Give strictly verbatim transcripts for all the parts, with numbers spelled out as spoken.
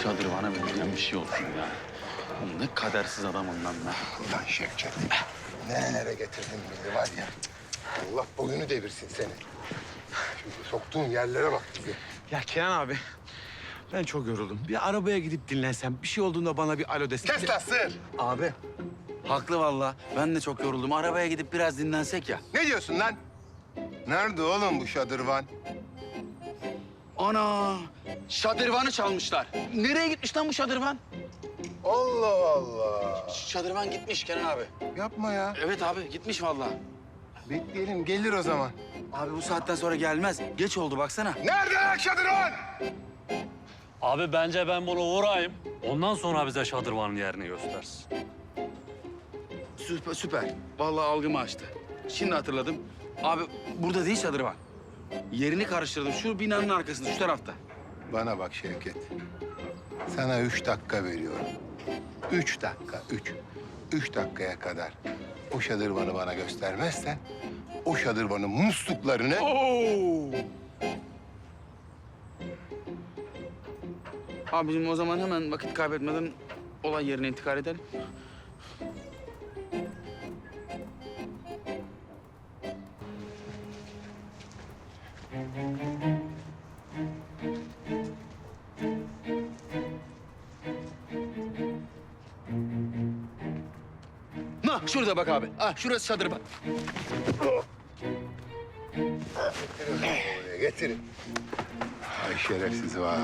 şadırvana benzeyen bir şey olsun ya. Oğlum ne kadersiz adamım lan ben. Ulan Şevket, nerelere getirdin bizi var ya. Allah boyunu devirsin seni. Şimdi soktuğun yerlere bak bizi. Ya Kenan abi, ben çok yoruldum. Bir arabaya gidip dinlensem, bir şey olduğunda bana bir alo desin. Kes lan sığır! Abi haklı vallahi. Ben de çok yoruldum. Arabaya gidip biraz dinlensek ya. Ne diyorsun lan? Nerede oğlum bu şadırvan? Ana! Şadırvanı çalmışlar. Nereye gitmiş lan bu şadırvan? Allah Allah! Şadırvan gitmiş Kenan abi. Yapma ya. Evet abi gitmiş vallahi. Bekleyelim, gelir o zaman. Abi bu saatten sonra gelmez. Geç oldu baksana. Nerede lan şadırvan? Abi bence ben bunu vurayım. Ondan sonra bize şadırvanın yerini göstersin. Süper, süper. Vallahi algımı açtı. Şimdi hatırladım. Abi burada değil şadırvan. Yerini karıştırdım. Şu binanın arkasında, şu tarafta. Bana bak Şevket. Sana üç dakika veriyorum. Üç dakika, üç. Üç dakikaya kadar o şadırvanı bana göstermezsen... ...o şadırvanın musluklarını... Oo! Abicim o zaman hemen vakit kaybetmeden olay yerine intikal edelim. Nah şurada bak abi. Ah şurası şadırvan. Getirin oraya, getirin. Ay şerefsiz vay.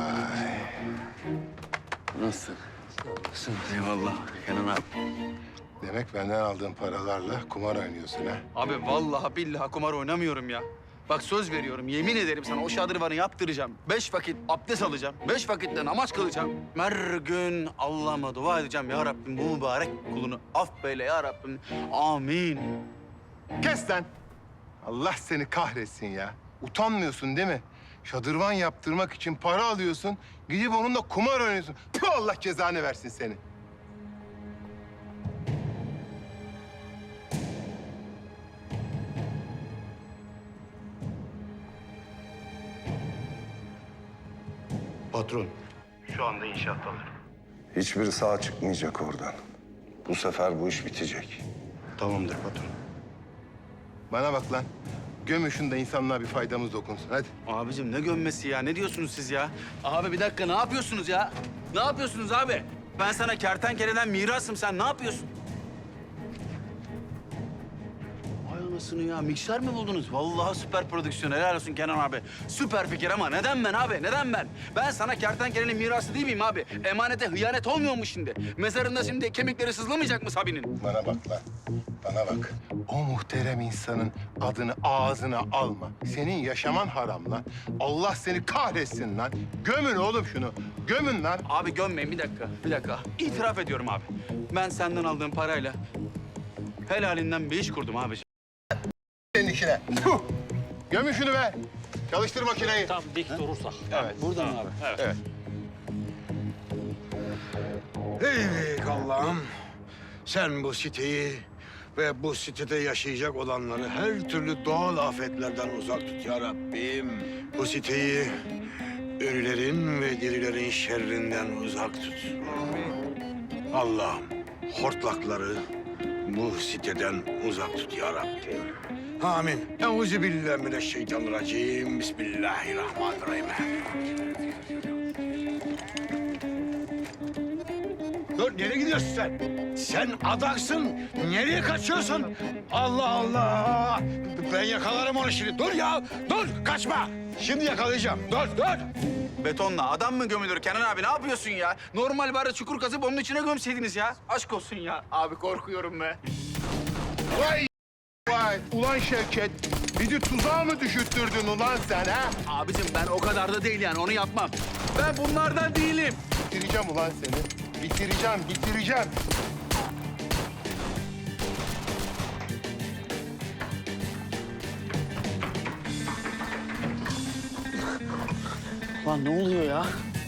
Nasıl? Nasıl? Eyvallah Kenan abi. Demek benden aldığın paralarla kumar oynuyorsun ha? Abi vallahi billahi kumar oynamıyorum ya. Bak söz veriyorum, yemin ederim sana o şadırvanı yaptıracağım. Beş vakit abdest alacağım. Beş vakitte namaz kılacağım. Her gün Allah'ıma dua edeceğim. Ya Rabbim bu mübarek kulunu affeyle ya Rabbim. Amin. Kes lan! Allah seni kahretsin ya. Utanmıyorsun değil mi? Şadırvan yaptırmak için para alıyorsun. Gidip onunla kumar oynuyorsun. Tüh, Allah cezanı versin seni. Patron. Şu anda inşaattalar. Hiçbiri sağ çıkmayacak oradan. Bu sefer bu iş bitecek. Tamamdır patron. Bana bak lan. Gömüşün de insanlığa bir faydamız dokunsun. Hadi. Abicim ne gömmesi ya? Ne diyorsunuz siz ya? Abi bir dakika ne yapıyorsunuz ya? Ne yapıyorsunuz abi? Ben sana kertenkeleden mirasım. Sen ne yapıyorsun? Vay anasını ya. Mikser mi buldunuz? Vallahi süper prodüksiyon. Helal olsun Kenan abi. Süper fikir ama neden ben abi? Neden ben? Ben sana kertenkelenin mirası değil miyim abi? Emanete hıyanet olmuyor mu şimdi? Mezarında şimdi kemikleri sızlamayacak mı Sabi'nin? Bana bak lan. Bana bak. O muhterem insanın adını ağzına alma. Senin yaşaman haram lan. Allah seni kahretsin lan. Gömün oğlum şunu. Gömün lan. Abi gömmeyin bir dakika, bir dakika. İtiraf ediyorum abi. Ben senden aldığım parayla helalinden bir iş kurdum abi. Senin işine. Puh! Gömün şunu be. Çalıştır makineyi. Tam dik durursak. Evet. Burada mı abi? Evet. Ey büyük Allah'ım, sen bu siteyi ve bu sitede yaşayacak olanları her türlü doğal afetlerden uzak tut ya Rabbim. Bu siteyi ölülerin ve dirilerin şerrinden uzak tut. Allah'ım, hortlakları bu siteden uzak tut ya Rabbim. Amin. Euzubillahimineşşeytanirracim. Bismillahirrahmanirrahim. Dur, nereye gidiyorsun sen? Sen adaksın. Nereye kaçıyorsun? Allah Allah! Ben yakalarım onu şimdi. Dur ya, dur. Kaçma. Şimdi yakalayacağım. Dur, dur. Betonla adam mı gömülür Kenan abi? Ne yapıyorsun ya? Normal bari çukur kazıp onun içine gömseydiniz ya. Aşk olsun ya. Abi korkuyorum be. Vay vay. Ulan Şevket. Bizi tuzağa mı düşürttürdün ulan sen ha? Abicim ben o kadar da değil yani onu yapmam. Ben bunlardan değilim. Bitireceğim ulan seni. Bitireceğim, bitireceğim. Lan ne oluyor ya?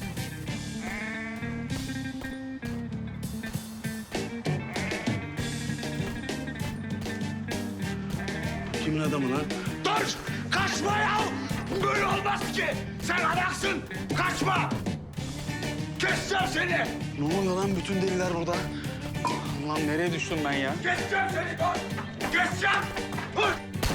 Kimin adamı lan? Dur! Kaçma ya! Böyle olmaz ki! Sen adaksın! Kaçma! Keseceğim seni! Ne oluyor lan bütün deliler burada? Lan nereye düştüm ben ya? Keseceğim seni! Dur! Keseceğim! Dur!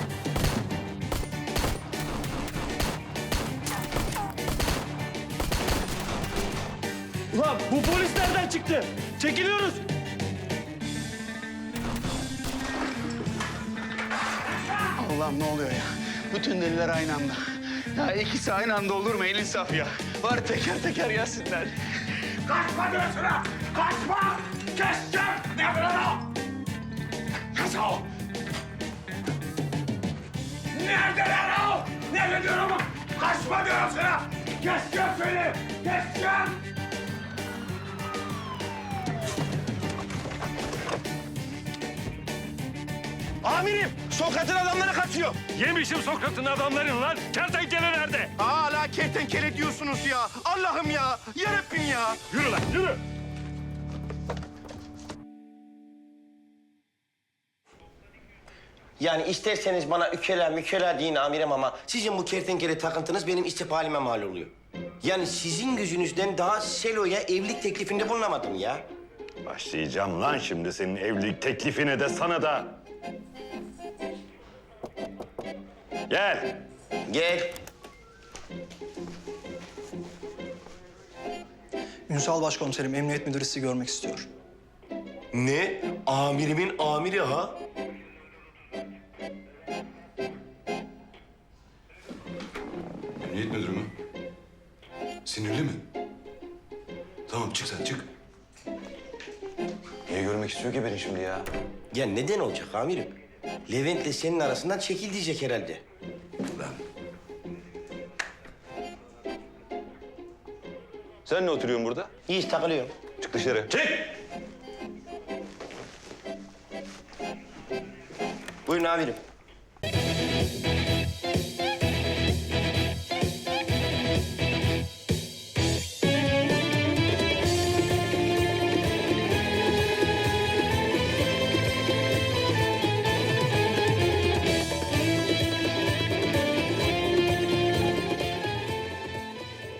Ulan bu polis nereden çıktı? Çekiliyoruz. Allah'ım ne oluyor ya? Bütün deliler aynı anda. Ya ikisi aynı anda olur mu? El insaf ya. Var teker teker gelsinler. Kaçma diyorsun ha! Kaçma! Keseceğim! Ne yapıyorsun o? Nasıl o? Neredeler o? Nerede diyorum? Kaçma diyorum sana! Keseceğim seni! Keseceğim! Amirim, Sokrat'ın adamları kaçıyor. Yemişim Sokrat'ın adamlarını lan. Kertenkele nerede? Hala kertenkele diyorsunuz ya. Allah'ım ya, yarabbim ya. Yürü lan yürü. Yani isterseniz bana ükela mükela deyin amirim ama sizin bu kertenkele takıntınız benim istif halime mal oluyor. Yani sizin yüzünüzden daha Selo'ya evlilik teklifinde bulunamadım ya. Başlayacağım lan şimdi senin evlilik teklifine de sana da. Gel. Gel. Ünsal Başkomiserim, Emniyet Müdürü sizi görmek istiyor. Ne? Amirimin amiri ha? Emniyet müdürü mü? Sinirli mi? Tamam çık sen çık. Niye görmek istiyor ki beni şimdi ya? Ya neden olacak amirim? Levent'le senin arasından çekil diyecek herhalde. Lan Sen ne oturuyorsun burada? İyi takılıyorum. Çık dışarı. Çık! Buyurun amirim.